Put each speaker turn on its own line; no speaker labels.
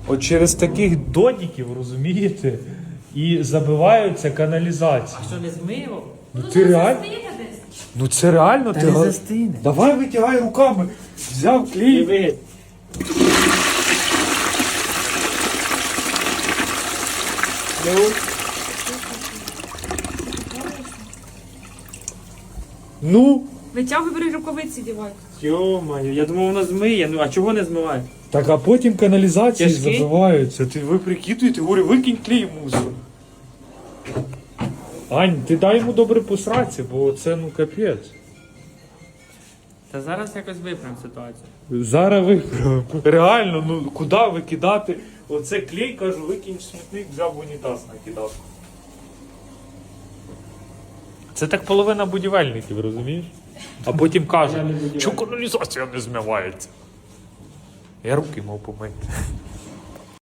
От через таких додіків, розумієте, і забиваються каналізації.
Що не змило?
Ну ти реально? Ну це реально
Та
ти.
не застине.
Давай витягай руками. Взяв клей.
Диви.
Ну.
Витягуй, бери рукавиці дівай.
Йо-моє, я думав воно змиє. Ну а чого не змиває?
Так, а потім каналізації
Тяжкий?
забиваються. Ви прикидуєте, говорю, викинь клей в мусор. Ань, ти дай йому добре посратися, бо це ну капець.
Та зараз якось виправимо ситуацію.
Зараз виправимо. Реально, ну куди викидати? Оце клей, кажу, викинь в смітник, взяв в унітаз накидав. Це так половина будівельників, розумієш? А потім каже, що каналізація не змивається. Я руки мав помити.